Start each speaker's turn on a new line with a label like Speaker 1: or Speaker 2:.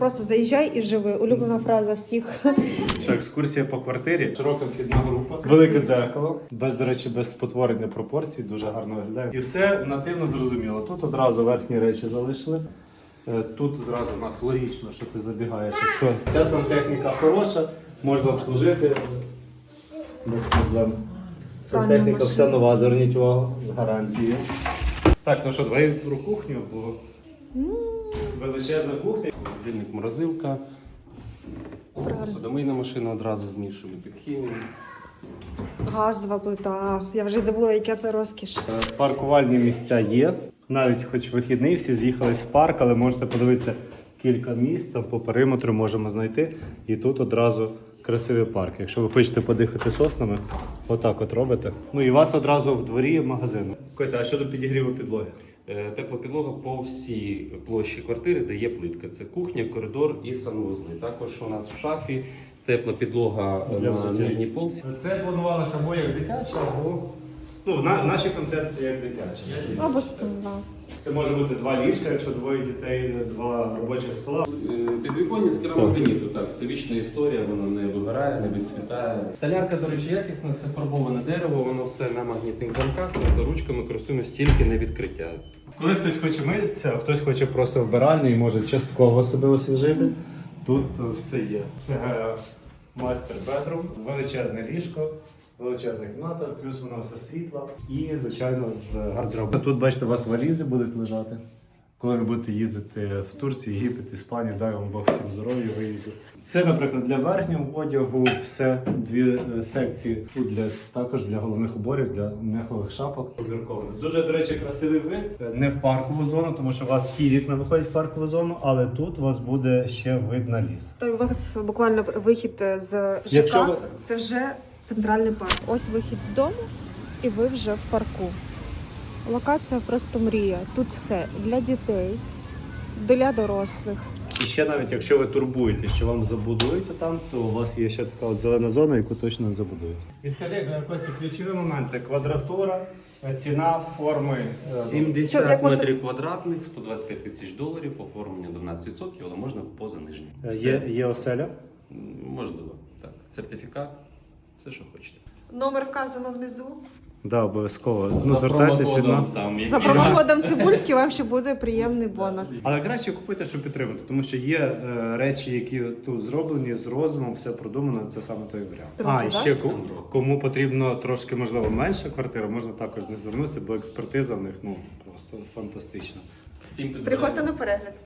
Speaker 1: Просто заїжджай і живи. Улюблена фраза всіх.
Speaker 2: Що екскурсія по квартирі, широка вхідна група, велике дзеркало, до речі, без спотворення пропорцій, дуже гарно виглядає. І все нативно зрозуміло. Тут одразу верхні речі залишили. Тут зразу у нас логічно, що ти забігаєш. Якщо вся сантехніка хороша, можна обслужити без проблем. Сантехніка вся нова, зверніть увагу, з гарантією. Так, ну що, давай про кухню, бо величезна кухня.
Speaker 3: Холодильник, морозилка, посудомийна машина одразу змішує під хімію.
Speaker 1: Газова плита. Я вже забула, яка це розкіш.
Speaker 2: Паркувальні місця є. Навіть хоч вихідний, всі з'їхались в парк, але можете подивитися кілька місць, там по периметру можемо знайти. І тут одразу красивий парк. Якщо ви хочете подихати соснами, отак от робите. Ну і у вас одразу в дворі магазин. Котя, а щодо підігріву підлоги?
Speaker 3: Тепла підлога по всій площі квартири, де є плитка. Це кухня, коридор і санвузли. Також у нас в шафі тепла підлога на нижній полці.
Speaker 2: Це планувалося або як дитяча, або в нашій концепції як дитяча.
Speaker 1: Або спина.
Speaker 2: Це може бути 2 ліжка, якщо двоє дітей, 2 робочих стола.
Speaker 3: Підвіконня з керамограніту, так, це вічна історія, воно не вигорає, не відцвітає. Столярка, до речі, якісна, це фарбоване дерево, воно все на магнітних замках, тобто ручками користуємось тільки на відкриття.
Speaker 2: Коли хтось хоче митися, а хтось хоче просто вбиральню і може частково себе освіжити, тут все є. Це мастер бедрум, величезне ліжко, величезна кімната, плюс вона все світла і, звичайно, з гардеробом. Тут, бачите, у вас валізи будуть лежати. Коли ви будете їздити в Турцію, Єгипет, Іспанію, дай вам Бог всім здоров'я, виїзду. Це, наприклад, для верхнього одягу, все, 2 секції. Тут також для головних уборів, для мехових шапок. Дуже, до речі, красивий вид. Не в паркову зону, тому що у вас ті вікна виходять в паркову зону, але тут у вас буде ще вид на ліс.
Speaker 1: Та у вас буквально вихід з ЖК.
Speaker 2: Якщо ви-
Speaker 1: Це вже центральний парк. Ось вихід з дому, і ви вже в парку. Локація просто мрія. Тут все для дітей, для дорослих.
Speaker 2: І ще навіть, якщо ви турбуєте, що вам забудують там, то у вас є ще така от зелена зона, яку точно не забудують. І скажи, Костя, ключові моменти. Квадратура, ціна, форми.
Speaker 3: 70
Speaker 1: як можна-
Speaker 3: метрів квадратних, 125 тисяч доларів, оформлення 12%, але можна поза нижнім.
Speaker 2: Є оселя.
Speaker 3: Можливо, так. Сертифікат, все, що хочете.
Speaker 1: Номер вказано внизу.
Speaker 2: Да, обов'язково.
Speaker 3: За
Speaker 2: Звертайтесь від
Speaker 3: промокодом
Speaker 2: нас.
Speaker 3: там,
Speaker 1: За
Speaker 3: який
Speaker 1: промокодом Цибульський вам ще буде приємний бонус.
Speaker 2: Але краще купити, щоб підтримати, тому що є речі, які тут зроблені з розумом, все продумано, це саме той варіант.
Speaker 1: Трохи,
Speaker 2: І
Speaker 1: да?
Speaker 2: ще кому потрібно трошки, можливо, менша квартира, можна також не звернутися, бо експертиза в них просто фантастична.
Speaker 3: Всім
Speaker 1: Приходьте на перегляд.